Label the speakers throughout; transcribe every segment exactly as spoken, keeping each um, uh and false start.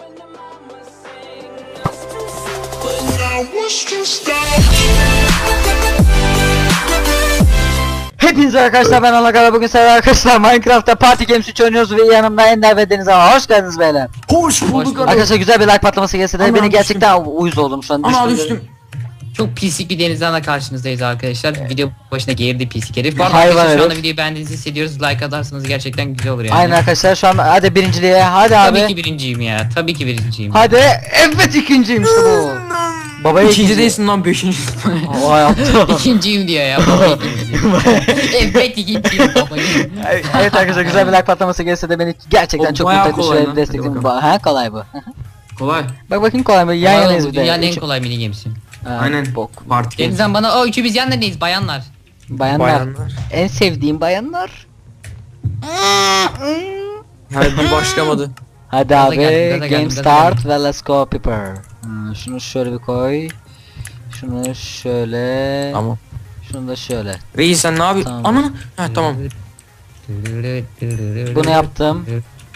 Speaker 1: Hepinize arkadaşlar, ben Alakara. Bugün sizlerle arkadaşlar Minecraft'ta Party Games üç oynuyoruz ve yanımda Ender ve Deniz ama hoş geldiniz beyler.
Speaker 2: Hoş bulduk
Speaker 1: Arkadaşlar, güzel bir like patlaması gelse de
Speaker 2: Ana,
Speaker 1: beni gerçekten uyuz oldum şu an.
Speaker 2: Ana
Speaker 1: düştüm.
Speaker 2: düştüm.
Speaker 3: Çok pislik bir Denizhan'la karşınızdayız arkadaşlar. Video başına geğirdi pislik herif. Bu arada
Speaker 1: Hayvan
Speaker 3: arkadaşlar şu anda
Speaker 1: herif.
Speaker 3: videoyu beğendiğinizi hissediyoruz. Like atarsanız gerçekten güzel olur yani.
Speaker 1: Aynen arkadaşlar, şu an hadi birinciliğe, hadi
Speaker 3: Tabii
Speaker 1: abi.
Speaker 3: ki birinciyim ya. Tabii ki birinciyim.
Speaker 1: Hadi, evet ikinciyim işte bu. Babaya
Speaker 2: İkinci değilsin lan, beşinci.
Speaker 1: Vay yaptı.
Speaker 3: İkinciyim diyor ya. Baba ikinciyim. Evet ikinciyim baba.
Speaker 1: Evet arkadaşlar, güzel bir like patlaması gelse de beni gerçekten
Speaker 2: O
Speaker 1: çok
Speaker 2: bayağı
Speaker 1: mutlu etti.
Speaker 2: kolay
Speaker 1: Şöyle
Speaker 2: lan.
Speaker 1: destekleyin.
Speaker 2: Hadi
Speaker 1: Ba- Ha, kolay bu.
Speaker 2: Kolay.
Speaker 1: Bak bakayım, kolay mı? Yan
Speaker 3: Yan
Speaker 1: yanayız
Speaker 3: bu
Speaker 1: bir de.
Speaker 3: dünyanın en
Speaker 1: Üç-
Speaker 3: kolay mini gemisi.
Speaker 1: Ha,
Speaker 2: Aynen.
Speaker 1: bok.
Speaker 2: Parti games.
Speaker 3: Denizhan bana o üçü biz yan neredeyiz bayanlar.
Speaker 1: Bayanlar.
Speaker 2: Bayanlar.
Speaker 1: En sevdiğim bayanlar.
Speaker 2: Hadi bir başlamadı.
Speaker 1: Hadi
Speaker 3: Gaza
Speaker 1: abi,
Speaker 3: geldim, gaza
Speaker 1: game
Speaker 3: geldim, gaza
Speaker 1: start ve let's go people. Hmm, şunu şöyle bir koy. Şunu şöyle.
Speaker 2: Tamam.
Speaker 1: Şunu da şöyle.
Speaker 2: Reis sen ne yapıyorsun?
Speaker 1: Tamam.
Speaker 2: Ana. Ha tamam.
Speaker 1: Bunu yaptım.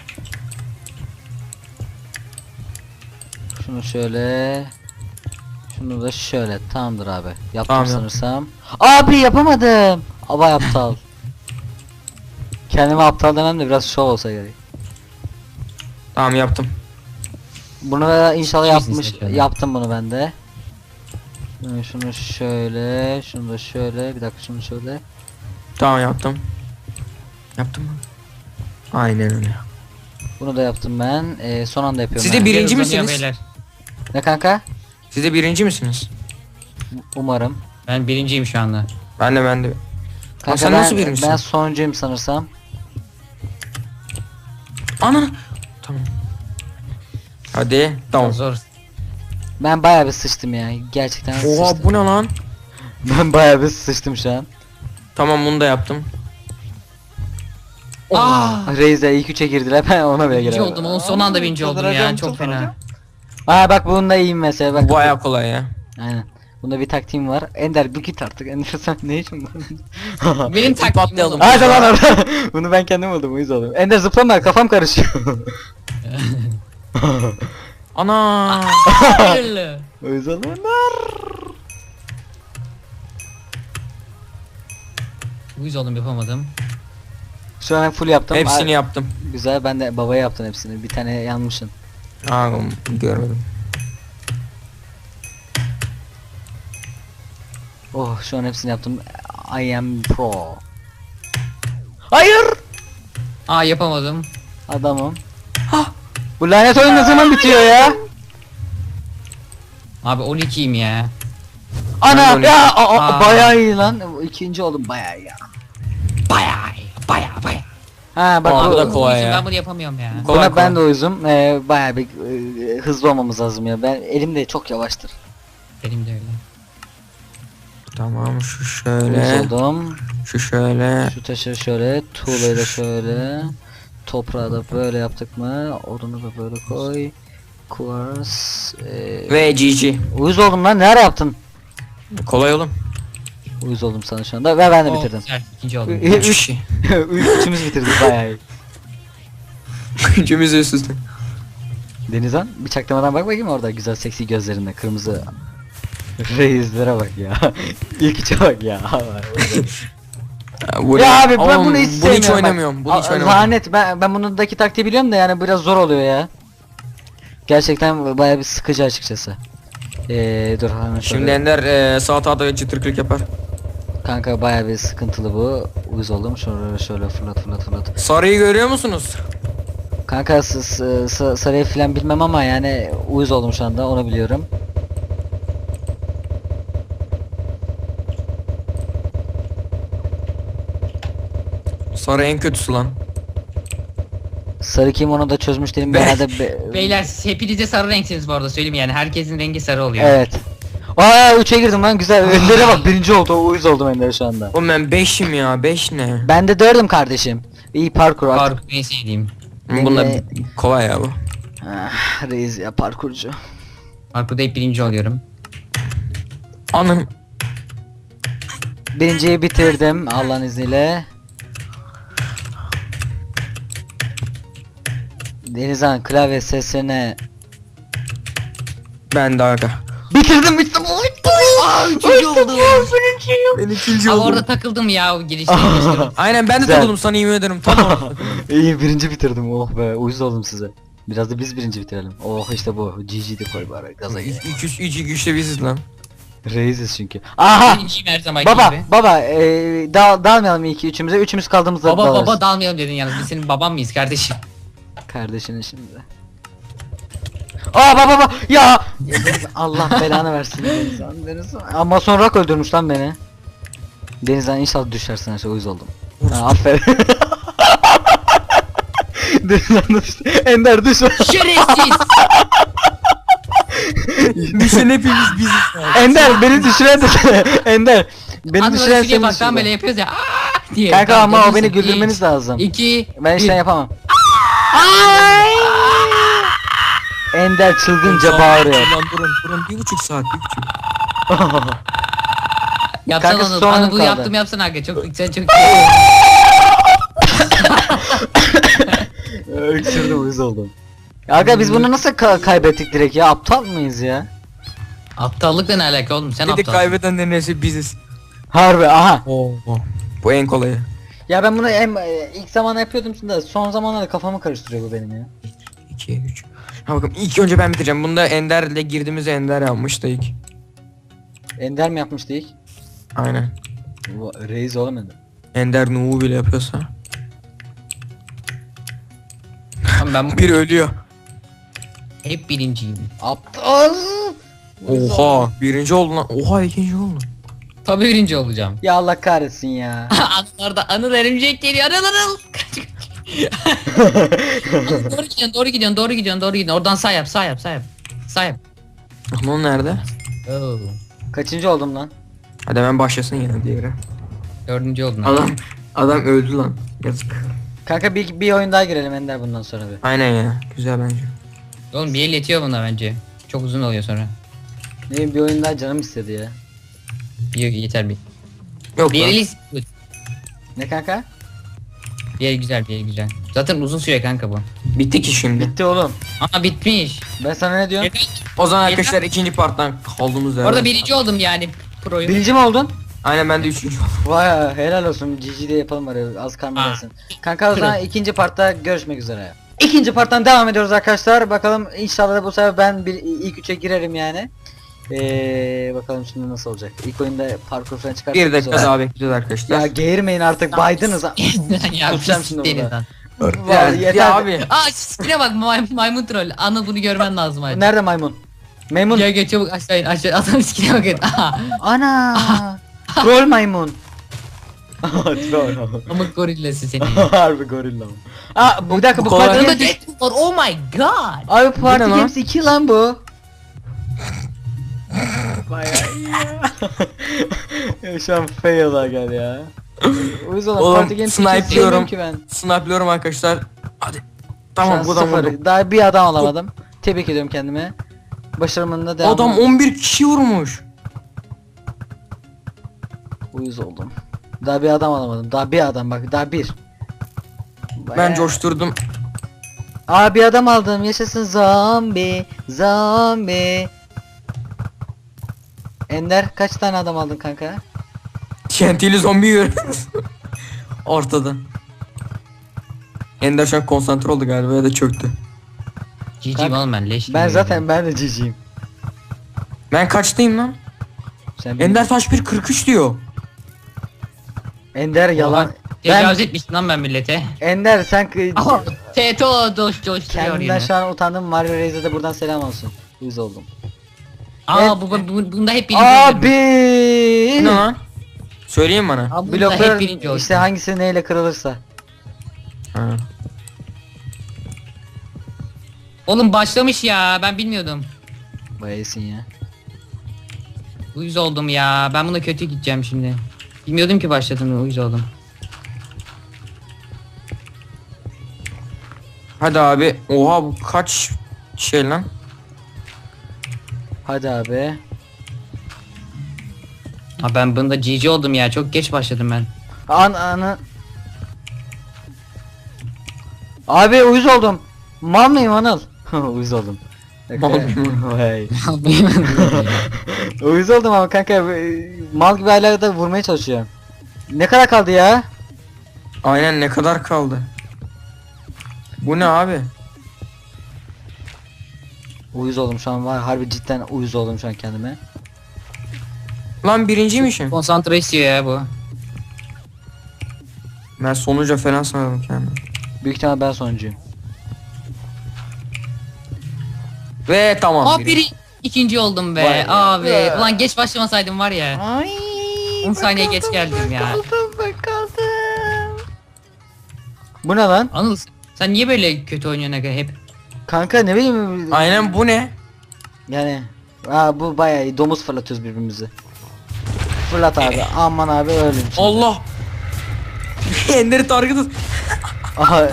Speaker 1: Şunu şöyle. Şunu da şöyle. Tamamdır abi. Yaptım
Speaker 2: Tamam,
Speaker 1: sanırsam. Abi yapamadım. Aba aptal. Kendime aptal demem de biraz şov olsa gerek.
Speaker 2: Tamam yaptım.
Speaker 1: Bunu da inşallah
Speaker 3: Çiz
Speaker 1: yapmış.
Speaker 3: istedim.
Speaker 1: Yaptım bunu ben de. Şunu- Şunu şöyle, şunu da şöyle. Bir dakika, şunu şöyle.
Speaker 2: Tamam yaptım. Yaptım mı? Aynen öyle.
Speaker 1: Bunu da yaptım ben. Ee, son anda yapıyorum.
Speaker 2: Siz de
Speaker 1: ben.
Speaker 2: bir- Birinci
Speaker 3: Hızlanıyor
Speaker 2: misiniz?
Speaker 3: beyler.
Speaker 1: Ne kanka?
Speaker 2: Siz de birinci misiniz?
Speaker 1: Umarım.
Speaker 3: Ben birinciyim şu anda.
Speaker 2: Ben de ben de.
Speaker 1: Kanka
Speaker 2: sen
Speaker 1: ben,
Speaker 2: nasıl birincisin?
Speaker 1: Ben sonuncuyum sanırsam.
Speaker 2: Ana. Tamam. Hadi. Tamam.
Speaker 3: Zor.
Speaker 1: Ben bayağı bir sıçtım ya. Gerçekten
Speaker 2: Oha
Speaker 1: sıçtım.
Speaker 2: bu ne lan?
Speaker 1: Ben bayağı bir sıçtım şu an.
Speaker 2: Tamam bunu da yaptım.
Speaker 3: Aa!
Speaker 1: Reis'e ilk üçe girdiler, ben ona bile
Speaker 3: Birinci
Speaker 1: giremedim.
Speaker 3: oldum. Onun son anda birinci oldum ya.
Speaker 1: Çıldıracağım,
Speaker 3: Çok fena.
Speaker 1: Aa bak, bunda iyiyim mesela. Bak,
Speaker 2: Bu baya kolay ya.
Speaker 1: Aynen. Bunda bir taktiğim var. Ender bir git artık. Ender sen ne için bu?
Speaker 3: Benim taktiğim
Speaker 2: patlayalım.
Speaker 3: oğlum.
Speaker 1: Hadi lan orada. Bunu ben kendim buldum, uyuz oldum. Ender zıplama, kafam karışıyor.
Speaker 2: Ana.
Speaker 3: Hayırlı.
Speaker 1: Uyuz oldum Ender.
Speaker 3: Uyuz oldum yapamadım.
Speaker 1: Şu an full yaptım.
Speaker 2: Hepsini
Speaker 1: Ay,
Speaker 2: yaptım.
Speaker 1: güzel, ben de babaya yaptım hepsini. Bir tane yanmışsın.
Speaker 2: Aa görmedim.
Speaker 1: Oh, şu an hepsini yaptım. I am pro. Hayır.
Speaker 3: Aa yapamadım.
Speaker 1: Adamım. Bu lanet oyun ne zaman bitiyor ya?
Speaker 3: Abi on ikiyim ya.
Speaker 2: Ben de
Speaker 1: Ana
Speaker 2: onu-
Speaker 1: ya, a- a-
Speaker 3: Aa.
Speaker 1: bayağı iyi lan. İkinci oldum bayağı ya.
Speaker 3: Bayağı iyi, bayağı bayağı.
Speaker 1: Ha bak,
Speaker 2: Aa,
Speaker 1: bu,
Speaker 2: bu da kolay
Speaker 3: Uyuzum,
Speaker 2: ya.
Speaker 3: Ben bunu yapamıyorum ya.
Speaker 2: Kolay,
Speaker 1: buna ben
Speaker 2: kolay.
Speaker 1: de uyuzum. Ee, bayağı bir e, hızlı olmamız lazım ya. Ben elim de çok yavaştır.
Speaker 3: Benim de öyle.
Speaker 2: Tamam şu
Speaker 1: Uyuz
Speaker 2: şöyle.
Speaker 1: oldum.
Speaker 2: Şu şöyle.
Speaker 1: Şu taşı şöyle, tuğlayı da şöyle. Toprağı da böyle yaptık mı? Odunu da böyle koy. Kuvars. Ee,
Speaker 2: Ve G G.
Speaker 1: uyuz oldum lan, ne ara yaptın?
Speaker 2: Kolay oğlum.
Speaker 1: Uyuz oldum sana şu anda ve ben de
Speaker 3: Oo,
Speaker 1: bitirdim.
Speaker 3: güzel, İkinci oldum.
Speaker 1: Üç-
Speaker 2: Üç kişi.
Speaker 1: Üç, üçümüz bitirdik bayağı iyi.
Speaker 2: Üçümüz üst üste.
Speaker 1: Denizhan, bir çaktırmadan bak bakayım orada güzel seksi gözlerinde kırmızı. Reislere bak ya. İlk içe bak ya.
Speaker 2: Ya, bu
Speaker 1: Ya
Speaker 2: ne?
Speaker 1: abi ben
Speaker 2: Oğlum,
Speaker 1: bunu hiç
Speaker 2: Bunu
Speaker 1: sevmiyorum.
Speaker 2: hiç
Speaker 1: bak.
Speaker 2: oynamıyorum. Bunu hiç
Speaker 1: Aa,
Speaker 2: oynamıyorum.
Speaker 1: Lanet, ben ben bunundaki taktiği biliyorum da yani biraz zor oluyor ya. Gerçekten bayağı bir sıkıcı açıkçası. Eee dur hemen
Speaker 2: Şimdi
Speaker 1: şöyle.
Speaker 2: Ender e, sağ tahtada çıtırklık yapar.
Speaker 1: Kanka bayağı bir sıkıntılı bu. Uyuz oldum. Şöyle şöyle fırlat fırlat fırlat.
Speaker 2: Sarıyı görüyor musunuz?
Speaker 1: Kanka s- s- s- sarıyı filan bilmem ama yani uyuz oldum şu anda, onu biliyorum.
Speaker 2: Sarı en kötüsü lan.
Speaker 1: Sarı kim, onu da çözmüş değilim.
Speaker 2: Be-
Speaker 1: Genelde be-
Speaker 3: Beyler siz hepiniz de sarı renksiniz bu arada söyleyeyim yani herkesin rengi sarı oluyor.
Speaker 1: Evet. Aa üçe girdim lan, güzel. Önlere bak, birinci oldu. Uyuz oldum Önlere şu anda.
Speaker 2: Oğlum ben beşim ya. beş ne?
Speaker 1: Ben de dördüm kardeşim. İyi parkur artık.
Speaker 3: Parkur en sevdiğim.
Speaker 2: Bunda
Speaker 1: Ne-
Speaker 2: kolay ya bu.
Speaker 1: Ah, reis ya, parkurcu.
Speaker 3: Parkurda hep birinci oluyorum.
Speaker 2: Anam.
Speaker 1: Birinciyi bitirdim Allah'ın izniyle. Denizhan, klavye sesine
Speaker 2: Ben de aga.
Speaker 1: Bitirdim bitirdim.
Speaker 3: Üçüncü oldum.
Speaker 2: Ben ikinci
Speaker 3: Ama
Speaker 2: oldum.
Speaker 3: orada takıldım ya o girişte. girişte.
Speaker 2: Aynen ben de
Speaker 1: Güzel.
Speaker 2: takıldım sana yemin ederim. Tamam.
Speaker 1: İyi birinci bitirdim oh be uyuz oldum size. Biraz da biz birinci bitirelim. Oh işte bu. G G de koy bari gaza gel.
Speaker 2: İki üç iki güçte biziz lan.
Speaker 1: Reisiz çünkü. Aha!
Speaker 3: Birinciyim her zamanki
Speaker 1: Baba
Speaker 3: gibi.
Speaker 1: baba ee, dal dalmayalım iki üçümüze. Üçümüz kaldığımızda
Speaker 3: Baba
Speaker 1: dalarız.
Speaker 3: baba dalmayalım dedin yalnız biz senin baban mıyız kardeşim?
Speaker 1: Kardeşinin şimdi. Aa baba baba ya! Allah belanı versin Denizhan Denizhan. Ama sonra Rak öldürmüş lan beni. Denizhan inşallah düşersin her şey uyuz oldum. Ha, aferin. Denizhan da düştü. Ender düşme.
Speaker 3: Şerefsiz!
Speaker 2: Düşen hepimiz biziz.
Speaker 1: Ender beni düşüren de Ender. Beni
Speaker 3: Anladın
Speaker 1: düşüren
Speaker 3: şuraya
Speaker 1: seni
Speaker 3: baktan
Speaker 1: düşürdü.
Speaker 3: böyle yapıyoruz ya. Aa diye.
Speaker 1: Kanka
Speaker 3: Tamam,
Speaker 1: ama o beni
Speaker 3: yapıyorsun.
Speaker 1: güldürmeniz
Speaker 3: Üç,
Speaker 1: lazım.
Speaker 3: İki.
Speaker 1: Ben işten
Speaker 3: bir.
Speaker 1: yapamam. Ender çılgınca bağırıyor.
Speaker 2: Lan durun durun bir buçuk saat bir buçuk.
Speaker 3: Yapsana
Speaker 1: Kanka,
Speaker 3: onu.
Speaker 1: son
Speaker 3: Bana
Speaker 1: anım
Speaker 3: bu
Speaker 1: kaldı.
Speaker 3: yaptım yapsana aga. Çok sen çok
Speaker 1: Öksürdüm uyuz oldum. Aga biz bunu nasıl ka- kaybettik direkt ya? Aptal mıyız ya?
Speaker 3: Aptallıkla ne alaka oğlum? Sen
Speaker 2: Dedik
Speaker 3: aptal.
Speaker 2: kaybedenlerin hepsi biziz.
Speaker 1: Harbi aha.
Speaker 2: Oo. Bu en kolayı.
Speaker 1: Ya ben bunu em, e, ilk zaman yapıyordum da son zamanlarda kafamı karıştırıyor bu benim ya.
Speaker 2: iki üç. Ha bakın ilk önce ben bitireceğim. Bunda Ender'le girdiğimiz Ender yapmıştı ilk.
Speaker 1: Ender mi yapmıştı ilk?
Speaker 2: Aynen.
Speaker 1: Bu reis olamadı.
Speaker 2: Ender Nuh'u bile yapıyorsa.
Speaker 3: Tamam, ben
Speaker 2: Bir ölüyor.
Speaker 3: hep birinciyim.
Speaker 1: Aptal.
Speaker 2: Oha birinci oldu lan. Oha ikinci oldu.
Speaker 3: Tabii birinci olacağım.
Speaker 1: Ya Allah kahretsin ya.
Speaker 3: Anılarda anıl örümcek geliyor. Anıl anıl. Anıl, doğru gidiyorsun doğru gidiyorsun doğru gidiyorsun doğru gidiyorsun. Oradan sağ yap sağ yap sağ yap. Sağ yap.
Speaker 2: Ama nerede?
Speaker 3: Oo.
Speaker 1: Kaçıncı oldum lan?
Speaker 2: Hadi hemen başlasın yine diğeri.
Speaker 3: Dördüncü oldun.
Speaker 2: Adam adam öldü lan. Yazık.
Speaker 1: Kanka bir, bir oyun daha girelim Ender bundan sonra bir.
Speaker 2: Aynen ya. Güzel bence.
Speaker 3: Oğlum bir el yetiyor buna bence. Çok uzun oluyor sonra.
Speaker 1: Ne bileyim, bir oyun daha canım istedi ya.
Speaker 3: Bir yeter bir.
Speaker 2: Yok
Speaker 3: Bir
Speaker 2: lan.
Speaker 3: el
Speaker 1: Ne kanka?
Speaker 3: bir el güzel bir el güzel. Zaten uzun süre kanka bu.
Speaker 2: Bitti ki şimdi.
Speaker 1: Bitti oğlum.
Speaker 3: Aa bitmiş.
Speaker 1: Ben sana ne diyorum?
Speaker 2: O zaman
Speaker 3: Yeter.
Speaker 2: arkadaşlar ikinci parttan kaldığımız yerden.
Speaker 3: Orada birinci oldum yani proyu.
Speaker 1: Birinci mi oldun?
Speaker 2: Aynen ben de üçüncü oldum.
Speaker 1: Vay helal olsun G G'de yapalım bari az karma
Speaker 3: Aa.
Speaker 1: gelsin. Kanka o zaman ikinci partta görüşmek üzere. İkinci parttan devam ediyoruz arkadaşlar. Bakalım inşallah bu sefer ben bir ilk üçe girerim yani. Ee, bakalım şimdi nasıl olacak. İlk oyunda parkur falan çıkarttık.
Speaker 2: Bir dakika daha bekleyeceğiz arkadaşlar.
Speaker 1: Ya geğirmeyin artık baydınız ha.
Speaker 3: ya
Speaker 1: Kusacağım
Speaker 3: pis
Speaker 1: şimdi
Speaker 3: deniz
Speaker 1: burada.
Speaker 3: lan.
Speaker 1: Vay,
Speaker 2: ya,
Speaker 1: yeter.
Speaker 2: ya abi.
Speaker 3: Aa sikine bak may maymun troll. Anıl bunu görmen lazım hadi.
Speaker 1: Nerede maymun? Maymun.
Speaker 3: Gel gel çabuk aşağı in aşağı adam sikine bakın. Aha.
Speaker 1: Ana. Troll maymun. Troll.
Speaker 3: Amık gorillası seni.
Speaker 1: Harbi gorilla. Aa bir dakika bu,
Speaker 2: Bu kolay.
Speaker 1: Party
Speaker 3: Yanında
Speaker 1: Games...
Speaker 3: Deadpool var. Oh my god.
Speaker 1: Abi Party
Speaker 2: ne lan?
Speaker 1: Games iki lan bu. Bayağı iyi ya. Ya şu an fail aga ya. O yüzden
Speaker 2: Oğlum,
Speaker 1: Party Games iki
Speaker 2: snipe'lıyorum.
Speaker 1: sevmiyorum ki ben.
Speaker 2: Snipeliyorum arkadaşlar. Hadi.
Speaker 1: Tamam
Speaker 2: Tamam bu da
Speaker 1: sıfır.
Speaker 2: vurdu.
Speaker 1: Daha bir adam alamadım. Tebrik ediyorum kendime. Başarımın da devam.
Speaker 2: Adam on bir kişi vurmuş.
Speaker 1: Uyuz oldum. Daha bir adam alamadım. Daha bir adam bak daha bir.
Speaker 2: Ben
Speaker 1: Bayağı-
Speaker 2: coşturdum.
Speaker 1: Aa bir adam aldım. Yaşasın zombi. Zombi. Ender kaç tane adam aldın kanka?
Speaker 2: T N T'li zombi görüyoruz. Ortada. Ender şu an konsantre oldu galiba ya da çöktü.
Speaker 3: G G
Speaker 1: Kanka,
Speaker 3: oğlum ben leş
Speaker 1: Ben
Speaker 3: gibi
Speaker 1: zaten
Speaker 3: yedim.
Speaker 1: ben de ciciyim.
Speaker 2: Ben kaçtayım lan?
Speaker 1: Sen
Speaker 2: Ender Taş bir kırk üç diyor.
Speaker 1: Ender yalan.
Speaker 3: Oha,
Speaker 1: Ben
Speaker 3: Tecavüz etmiştim lan ben millete.
Speaker 1: Ender sen kı-
Speaker 3: Aha. T T O doş doş
Speaker 1: kendimden
Speaker 3: yine.
Speaker 1: şu an utandım. Mario Reis'e de buradan selam olsun. Uyuz oldum.
Speaker 3: Aa bu, bu bunda hep birinci oluyorum.
Speaker 1: Abi.
Speaker 2: Ne lan? Söyleyin bana.
Speaker 3: Aa, bunda
Speaker 1: Bloklar
Speaker 3: hep birinci
Speaker 1: işte
Speaker 3: oldum.
Speaker 1: hangisi neyle kırılırsa.
Speaker 2: Ha.
Speaker 3: Oğlum başlamış ya ben bilmiyordum.
Speaker 1: Bayağı iyisin ya.
Speaker 3: Uyuz oldum ya ben buna kötü gideceğim şimdi. Bilmiyordum ki başladığını uyuz oldum.
Speaker 2: Hadi abi. Oha bu kaç şey lan?
Speaker 1: Hadi abi.
Speaker 3: Ha ben bunda G G oldum ya çok geç başladım ben.
Speaker 1: An anı. Abi uyuz oldum. Mal mıyım Anıl? Uyuz oldum.
Speaker 2: Mal maymun.
Speaker 1: Vay. Uyuz oldum ama kanka e, mal gibi hala da vurmaya çalışıyorum. Ne kadar kaldı ya?
Speaker 2: Aynen, ne kadar kaldı? Bu ne abi?
Speaker 1: Uyuz oldum şu an var harbi cidden uyuz oldum şu an kendime.
Speaker 2: Lan birinciymişim.
Speaker 3: Konsantre istiyor ya bu.
Speaker 2: Ben sonuca falan sanırım kendimi.
Speaker 1: Büyük ihtimal ben sonuncuyum.
Speaker 2: Ve tamam.
Speaker 3: Aa biri ikinci oldum be
Speaker 1: Vay be.
Speaker 3: abi.
Speaker 1: Be.
Speaker 3: Ulan geç başlamasaydım var ya.
Speaker 1: Ay.
Speaker 3: on saniye geç geldim ya.
Speaker 1: Bu ne lan?
Speaker 3: Anıl sen niye böyle kötü oynuyorsun aga hep?
Speaker 1: Kanka ne bileyim.
Speaker 2: Aynen, bu ne?
Speaker 1: Yani. Aa bu bayağı iyi. Domuz fırlatıyoruz birbirimizi. Fırlat abi. Aman abi öldüm. şimdi.
Speaker 2: Allah. Ender'i target et.
Speaker 1: Aha.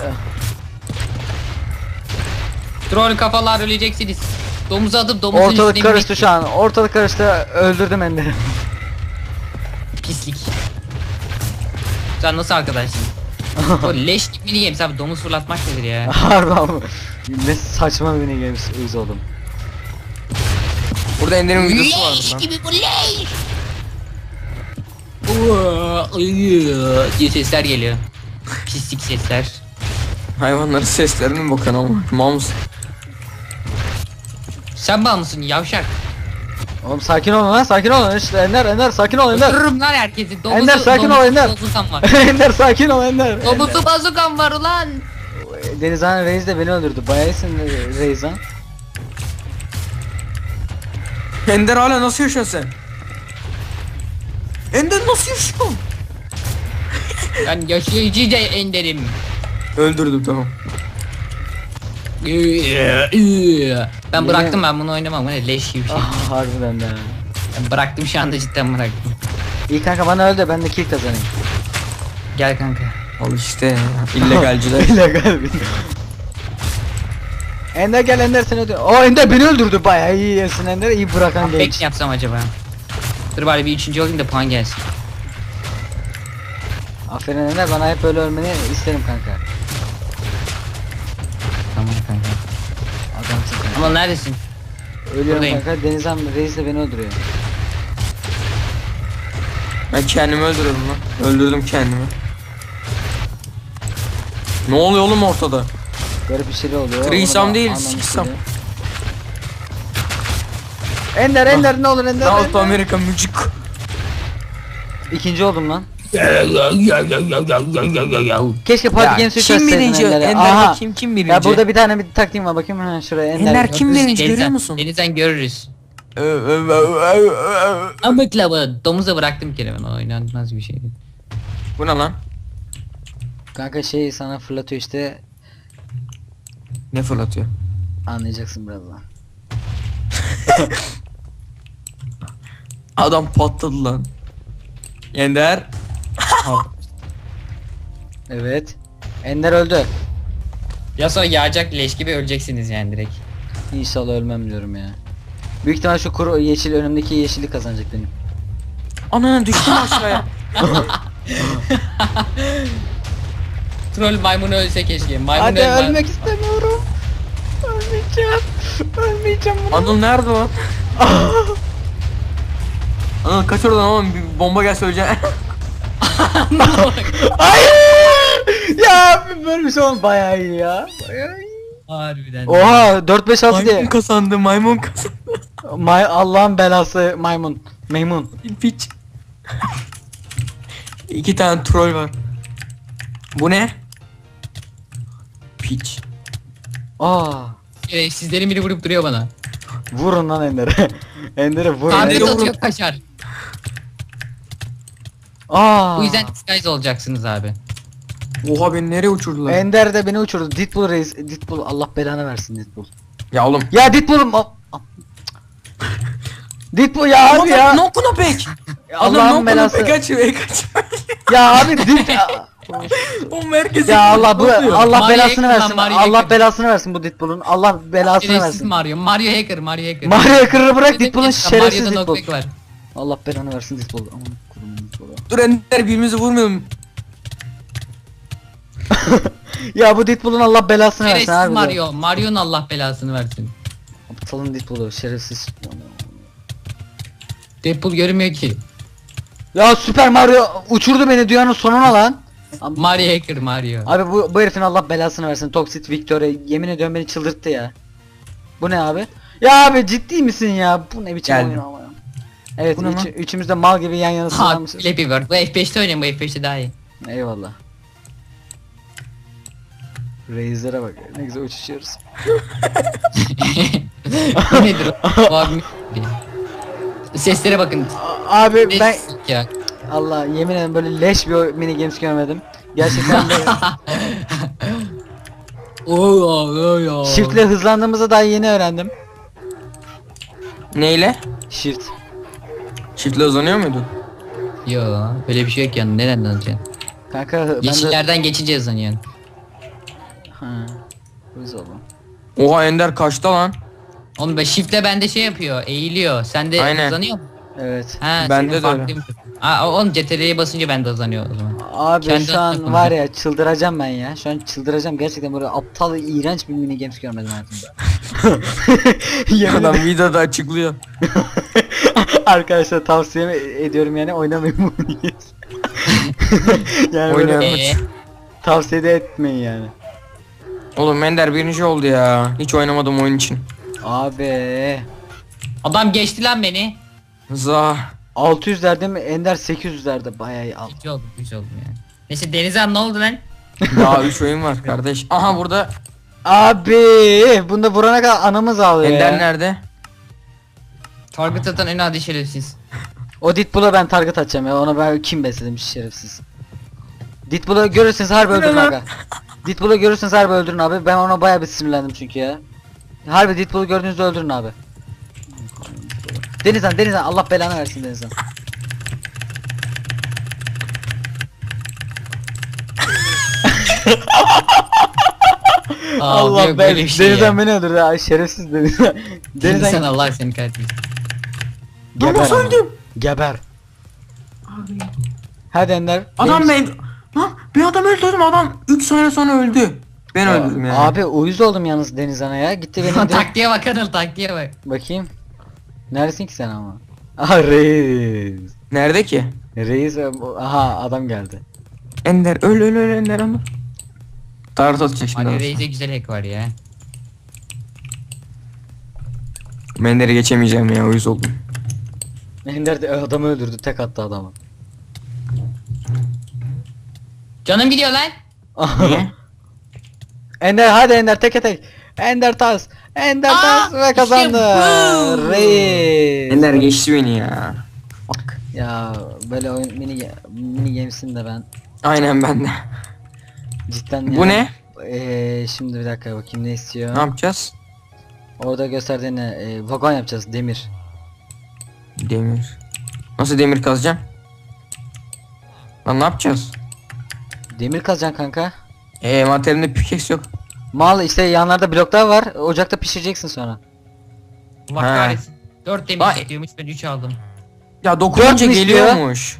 Speaker 3: Troll kafalar öleceksiniz. Domuzu atıp domuzun
Speaker 1: Ortalık
Speaker 3: üstüne
Speaker 1: karıştı
Speaker 3: binmek-
Speaker 1: şu an. Ortalık karıştı. Öldürdüm Ender'i.
Speaker 3: Pislik. Sen nasıl arkadaşsın? O leş gibi mini games abi domuz fırlatmak nedir ya?
Speaker 1: Harbi abi. Ne saçma bir mini games. Uyuz oldum.
Speaker 2: Burada Ender'in videosu vardı
Speaker 3: Leş
Speaker 2: lan.
Speaker 3: gibi bu leş. Uaa, ıyı diye sesler geliyor. Pislik sesler.
Speaker 2: Hayvanların seslerini bakın ama. Mal mısın?
Speaker 3: Sen bağ mısın yavşak?
Speaker 1: Oğlum sakin olun lan sakin olun. İşte Ender Ender sakin ol Ender.
Speaker 3: Öldürürüm lan herkesi. Domuzu,
Speaker 1: Ender, sakin ol,
Speaker 3: domuzu
Speaker 1: Ender.
Speaker 3: bazukam var.
Speaker 1: Ender sakin ol Ender.
Speaker 3: Domuzu bazukam var ulan.
Speaker 1: Denizhan Reis de beni öldürdü. Bayağı iyisin Reis ha.
Speaker 2: Ender hala nasıl yaşıyorsun sen? Ender nasıl yaşıyor?
Speaker 3: Ben yaşayıcı de enderim.
Speaker 2: Öldürdüm, tamam.
Speaker 3: Ben bıraktım, ben bunu oynamam. Bu ne leş gibi bir şey.
Speaker 1: Ah harbiden de.
Speaker 3: Ben bıraktım, şu anda cidden bıraktım.
Speaker 1: İyi kanka bana öl de ben de kill kazanayım.
Speaker 3: Gel kanka.
Speaker 2: Al işte ya, illegalciler.
Speaker 1: İllegal bir. Ender gel Ender seni öldür. O Ender beni öldürdü bayağı iyi yesin Ender iyi bırakan
Speaker 3: Pek
Speaker 1: genç.
Speaker 3: mi yapsam acaba? Dur bari bir üçüncü olayım da puan gelsin.
Speaker 1: Aferin Ender bana hep böyle ölmeni isterim kanka.
Speaker 3: Tamam kanka.
Speaker 1: Adamsın kanka.
Speaker 3: Ama neredesin?
Speaker 1: Ölüyorum
Speaker 3: Buradayım.
Speaker 1: kanka Denizhan Reis de beni öldürüyor.
Speaker 2: Ben kendimi öldürdüm lan. Öldürdüm kendimi. Ne oluyor oğlum ortada?
Speaker 1: Garip bir şey oluyor.
Speaker 2: Threesome
Speaker 1: onu da
Speaker 2: değil,
Speaker 1: anlamış
Speaker 2: sixsome.
Speaker 1: değilim. Ender Ender ne olur Ender,
Speaker 2: South
Speaker 1: Ender.
Speaker 2: America müzik.
Speaker 1: İkinci oldum lan. Keşke Party
Speaker 2: Ya,
Speaker 1: Games'i
Speaker 2: kim
Speaker 1: gösterseydin
Speaker 2: birinci?
Speaker 1: Ender'e.
Speaker 2: Ender'de
Speaker 1: Aha.
Speaker 2: kim kim birinci?
Speaker 1: Ya burada bir tane bir taktiğim var bakayım ha şuraya Ender.
Speaker 2: Ender kim
Speaker 3: Görürüz,
Speaker 2: birinci, görüyor
Speaker 3: denizden-
Speaker 2: musun?
Speaker 3: Denizden görürüz.
Speaker 2: Ö, ö, ö, ö, ö.
Speaker 3: Ama klavı domuza bıraktım bir kere ben, o oynanmaz bir şeydi.
Speaker 2: Bu ne lan?
Speaker 1: Kanka şey sana fırlatıyor işte
Speaker 2: Ne fırlatıyor?
Speaker 1: anlayacaksın birazdan.
Speaker 2: Adam patladı lan. Ender.
Speaker 1: Evet. Ender öldü.
Speaker 3: Ya sonra yağacak leş gibi öleceksiniz yani direkt.
Speaker 1: İnşallah ölmem diyorum ya. Büyük ihtimal şu kuru yeşil önümdeki yeşillik kazanacak benim.
Speaker 2: Ananı düştüm aşağıya.
Speaker 3: Troll maymunu ölse keşke. Maymun
Speaker 1: Hadi
Speaker 3: ölmez.
Speaker 1: ölmek istemiyorum. Ölmeyeceğim. Ölmeyeceğim bunu.
Speaker 2: Anıl nerede o? Anıl kaç oradan oğlum, bir bomba gelse öleceksin.
Speaker 1: Hayır. Ya böyle bir şey oldu bayağı iyi ya. Bayağı iyi.
Speaker 3: Harbiden.
Speaker 1: Oha dört beş altı diye.
Speaker 2: Maymun kazandı, maymun kazandı.
Speaker 1: May Allah'ın belası maymun. Maymun.
Speaker 2: Piç. İki tane troll var. Bu ne? Piç.
Speaker 1: Aa.
Speaker 3: Ee, sizlerin biri vurup duruyor bana.
Speaker 1: Vurun lan Ender'e. Ender'e vurun.
Speaker 3: Tablet
Speaker 2: Ender'e
Speaker 1: Ender'e
Speaker 2: vurun.
Speaker 3: atıyor kaçar.
Speaker 1: Aa.
Speaker 3: Bu yüzden disguise olacaksınız abi.
Speaker 2: Oha, beni nereye uçurdular?
Speaker 1: Ender de beni uçurdu. Deadpool reis. Deadpool Allah belanı versin Deadpool.
Speaker 2: Ya oğlum.
Speaker 1: Ya Deadpool'um. Al- al. Deadpool ya abi ya.
Speaker 2: No kuna pek.
Speaker 1: Ya
Speaker 2: Allah'ın
Speaker 1: Allah'ın
Speaker 2: no kuna
Speaker 1: belası.
Speaker 2: pek kaçıyor, kaçıyor.
Speaker 1: Ya abi Deadpool.
Speaker 2: O merkezi.
Speaker 1: Ya Allah bu Allah
Speaker 3: Mario
Speaker 1: belasını
Speaker 3: Hacker lan,
Speaker 1: versin.
Speaker 3: Mario
Speaker 1: Allah
Speaker 3: Hacker.
Speaker 1: belasını versin bu Deadpool'un. Allah belasını
Speaker 3: Şerefsiz
Speaker 1: versin.
Speaker 3: Mario. Mario hacker, Mario hacker.
Speaker 1: Mario Hacker'ı bırak
Speaker 3: Dedim
Speaker 1: Deadpool'un
Speaker 3: ya,
Speaker 1: şerefsiz
Speaker 3: Mario'da
Speaker 1: Deadpool.
Speaker 3: knockback var.
Speaker 1: Allah belanı versin Deadpool. Aman kurumun Deadpool'u.
Speaker 2: Dur Ender, birbirimizi vurmayalım.
Speaker 1: Ya bu Deadpool'un Allah belasını versin
Speaker 3: Şerefsiz
Speaker 1: abi.
Speaker 3: Mario. Mario'nun Allah belasını versin.
Speaker 1: Salın Deadpool'u şerefsiz.
Speaker 3: Deadpool görünmüyor ki.
Speaker 1: Ya Süper Mario uçurdu beni dünyanın sonuna lan. Abi,
Speaker 3: Mario Hacker Mario.
Speaker 1: abi bu, bu herifin Allah belasını versin. Toxic Victoria yemin ediyorum beni çıldırttı ya. Bu ne abi? Ya abi ciddi misin ya? Bu ne biçim
Speaker 2: Geldim.
Speaker 1: oyun ama. Evet
Speaker 2: Bu ne
Speaker 1: üç,
Speaker 2: lan?
Speaker 1: üçümüz de mal gibi yan yana
Speaker 3: Ha,
Speaker 1: sığınmışız.
Speaker 3: Flappy Bird. Bu F beşte oynayın, bu F beşte daha iyi.
Speaker 1: Eyvallah. Raze'lere bak ne güzel uçuşuyoruz.
Speaker 3: Bu nedir o? Bu abi- Seslere bakın.
Speaker 1: A- Abi ben
Speaker 3: Ne ya?
Speaker 1: Allah yemin ederim böyle leş bir o- mini games görmedim. Gerçekten böyle
Speaker 3: Oo, oo, oo.
Speaker 1: shiftle hızlandığımızı daha yeni öğrendim.
Speaker 2: Neyle?
Speaker 1: Shift.
Speaker 2: Shift'le uzanıyor muydu?
Speaker 3: Yo, böyle bir şey yok yani. Neden alacaksın?
Speaker 1: Kanka ben de...
Speaker 3: Yeşillerden geçince hızlanıyorsun.
Speaker 1: Ha. Hız oğlum.
Speaker 2: Oha Ender kaçta lan?
Speaker 3: Oğlum be shift'le bende şey yapıyor, eğiliyor. Sen de
Speaker 2: Aynen.
Speaker 3: hızlanıyor mu?
Speaker 1: Evet.
Speaker 3: Ha,
Speaker 2: Bende
Speaker 3: senin
Speaker 2: de öyle.
Speaker 3: farklıymış. Aa, oğlum C T R L'ye basınca bende hızlanıyor o zaman.
Speaker 1: Abi
Speaker 3: Kendi
Speaker 1: şu an
Speaker 3: aklına
Speaker 1: var ya çıldıracağım ben ya. Şu an çıldıracağım gerçekten böyle aptal iğrenç bir mini games görmedim hayatımda. Yemin
Speaker 2: Adam
Speaker 1: ederim.
Speaker 2: videoda açıklıyor.
Speaker 1: Arkadaşlar tavsiye ediyorum yani oynamayın bu mini games. yani böyle
Speaker 2: Oynayalım.
Speaker 3: Ee,
Speaker 1: tavsiye de etmeyin yani.
Speaker 2: Oğlum Ender birinci oldu ya. Hiç oynamadım oyun için.
Speaker 1: Abi
Speaker 3: adam geçti lan beni.
Speaker 2: Zah.
Speaker 1: altı yüzlerde mi? Ender sekiz yüzlerde bayağı iyi aldı.
Speaker 3: Üç oldum, üç oldum yani. Neyse Denizhan ne oldu lan?
Speaker 2: Daha üç oyun var kardeş. Aha burada
Speaker 1: Abi bunda vurana kadar anamız ağlıyor
Speaker 2: Ender
Speaker 1: ya.
Speaker 2: nerede?
Speaker 3: Target atan en adi şerefsiz.
Speaker 1: O Deadpool'a ben target atacağım ya. Ona ben kim besledim şerefsiz. Deadpool'u görürseniz harbi öldürün aga. Deadpool'u görürseniz harbi öldürün abi. Ben ona bayağı bir sinirlendim çünkü ya. Harbi Deadpool'u gördüğünüzde öldürün abi. Denizhan Denizhan Allah belanı versin Denizhan.
Speaker 3: Aa,
Speaker 1: Allah
Speaker 3: yok
Speaker 1: ben
Speaker 3: böyle bir şey
Speaker 1: Denizhan
Speaker 3: ya.
Speaker 1: beni öldürdü ha şerefsiz Denizhan.
Speaker 3: Denizhan
Speaker 1: Denizhan
Speaker 3: Allah seni kahretmesin.
Speaker 1: geber.
Speaker 2: Nasıl
Speaker 1: ama.
Speaker 2: öldüm?
Speaker 1: Geber. Hadi Ender.
Speaker 2: Adam
Speaker 1: benim-
Speaker 2: ben... Lan bir adam öldürdüm adam üç saniye sonra öldü. Ben öldürdüm yani.
Speaker 1: Abi uyuz oldum yalnız Denizhan'a ya. Gitti benim direkt...
Speaker 3: Taktiğe bak Anıl, taktiğe bak.
Speaker 1: Bakayım. Neredesin ki sen ama? Aha reis.
Speaker 2: Nerede ki?
Speaker 1: Reis aha adam geldi.
Speaker 2: Ender öl öl öl Ender ama. Tarot atacak şimdi.
Speaker 3: Mario
Speaker 2: adam.
Speaker 3: Reis'e güzel hack var ya.
Speaker 2: Ender'i geçemeyeceğim ya uyuz oldum.
Speaker 1: Ender de adamı öldürdü tek attı adamı.
Speaker 3: Canım gidiyor lan.
Speaker 2: Niye?
Speaker 1: Ender hadi Ender teke tek. Ender tas. Ender
Speaker 3: Aa,
Speaker 1: tas ve
Speaker 3: işte
Speaker 1: kazandı.
Speaker 3: bu.
Speaker 1: Reis.
Speaker 2: Ender geçti beni ya. Bak.
Speaker 1: Ya böyle oyun mini mini games'in de ben
Speaker 2: Aynen ben de.
Speaker 1: cidden
Speaker 2: Bu
Speaker 1: ya-
Speaker 2: ne?
Speaker 1: Eee şimdi bir dakika bakayım ne istiyor.
Speaker 2: Ne yapacağız?
Speaker 1: Orada gösterdiğine e, vagon yapacağız demir.
Speaker 2: Demir. Nasıl demir kazacağım? Lan ne yapacağız?
Speaker 1: Demir kazacaksın kanka.
Speaker 2: Eee materyalinde pickaxe yok.
Speaker 1: Mal işte yanlarda bloklar var. Ocakta pişireceksin sonra.
Speaker 3: Allah
Speaker 2: Ha.
Speaker 3: kahretsin. dört demir
Speaker 2: Vay.
Speaker 3: istiyormuş, ben üç aldım.
Speaker 2: Ya dokununca
Speaker 1: Dört mü istiyor?
Speaker 2: geliyormuş.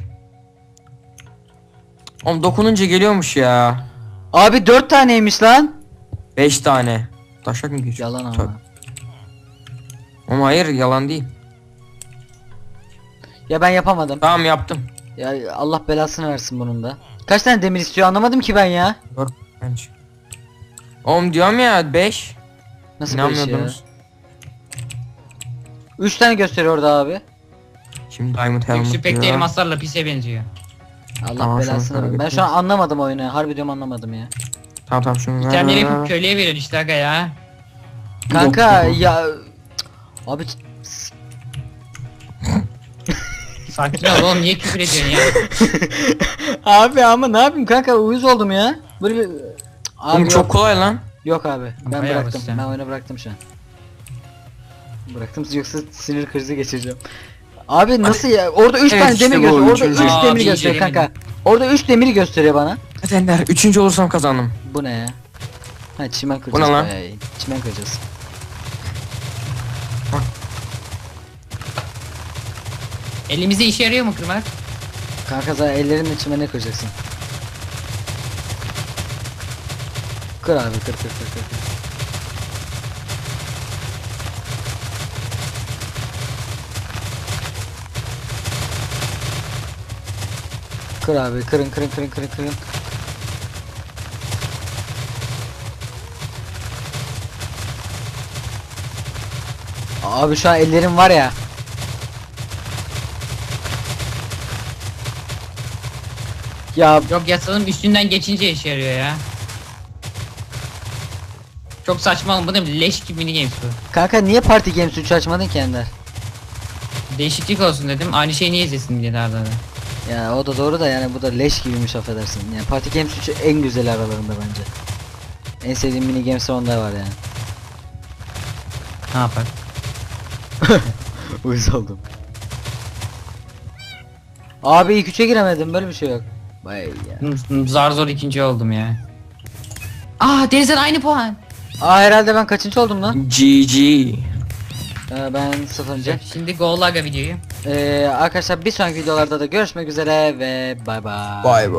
Speaker 2: Oğlum dokununca geliyormuş ya.
Speaker 1: Abi dört taneymiş lan.
Speaker 2: beş tane. Taşak mı geçiyor?
Speaker 1: Yalan
Speaker 2: Tabii.
Speaker 1: ama.
Speaker 2: Ama hayır yalan değil.
Speaker 1: Ya ben yapamadım.
Speaker 2: Tamam yaptım.
Speaker 1: Ya Allah belasını versin bunun da. Kaç tane demir istiyor anlamadım ki ben ya.
Speaker 2: Dört bence. Oğlum diyorum ya beş.
Speaker 1: Nasıl böyle şey ya?
Speaker 2: İnanmıyordunuz.
Speaker 1: üç tane gösteriyor orada abi.
Speaker 2: Şimdi Diamond Helmet
Speaker 3: Yüksü pek de
Speaker 2: diyor.
Speaker 3: elmaslarla pise benziyor.
Speaker 1: Allah
Speaker 2: Tamam, şunu
Speaker 1: belasını versin. Ben
Speaker 2: kaybettim.
Speaker 1: şu an anlamadım oyunu. Harbi diyorum anlamadım ya.
Speaker 2: Tamam tamam şunu ver, ver,
Speaker 3: İtemleri
Speaker 2: ver,
Speaker 3: yapıp
Speaker 2: ver.
Speaker 3: köylüye veriyorsun işte aga ya.
Speaker 1: Kanka
Speaker 2: Yok, yok.
Speaker 1: ya abi
Speaker 3: Sakin ol oğlum, niye küfür ediyorsun ya?
Speaker 1: abi ama ne yapayım kanka uyuz oldum ya. Böyle bir abi
Speaker 2: Oğlum
Speaker 1: yok.
Speaker 2: çok kolay lan.
Speaker 1: Yok abi ben
Speaker 3: Bayağı
Speaker 1: bıraktım.
Speaker 3: basit.
Speaker 1: Ben oyunu bıraktım şu an. Bıraktım yoksa sinir krizi geçireceğim. Abi nasıl ya? Orada üç
Speaker 2: Evet,
Speaker 1: tane
Speaker 2: işte
Speaker 1: demir
Speaker 2: bu,
Speaker 1: gösteriyor. Orada
Speaker 2: üçüncü.
Speaker 1: üç
Speaker 3: Aa,
Speaker 1: demir
Speaker 3: bir
Speaker 1: gösteriyor
Speaker 3: incelemedim.
Speaker 1: kanka. Orada üç demiri gösteriyor bana.
Speaker 2: Hadi Ender. Üçüncü olursam kazandım.
Speaker 1: Bu ne ya? Ha çimen
Speaker 2: Bu
Speaker 1: kıracağız
Speaker 2: ne lan?
Speaker 1: bayağı iyi. Çimen kıracağız.
Speaker 3: Elimize işe yarıyor mu kırmak?
Speaker 1: Kanka zaten ellerinle çimene kıracaksın. Kır abi kır kır kır kır. kır. Kır abi, kırın kırın kırın kırın kırın. Abi şu an ellerim var ya. Ya
Speaker 3: Yok yasanın üstünden geçince işe yarıyor ya. Çok saçma oğlum, bu ne leş gibi mini games bu.
Speaker 1: kanka niye Party Games üç açmadın ki Ender?
Speaker 3: Değişiklik olsun dedim. Aynı şeyi niye izlesin diye daha da.
Speaker 1: Ya o da doğru da yani bu da leş gibiymiş affedersin. Yani Party Games üç en güzeli aralarında bence. En sevdiğim mini games onda var yani.
Speaker 3: Ne yapar?
Speaker 1: Uyuz oldum. Abi ilk üçe giremedim, böyle bir şey yok. Vay ya.
Speaker 3: Zar zor ikinci oldum ya. Aa Deniz'den aynı puan.
Speaker 1: Aa herhalde ben kaçıncı oldum lan?
Speaker 2: G G.
Speaker 1: Ee, ben sıfırıncı.
Speaker 3: Şimdi goal aga videoyu.
Speaker 1: Ee, arkadaşlar bir sonraki videolarda da görüşmek üzere ve bay bay.
Speaker 2: Bay bay.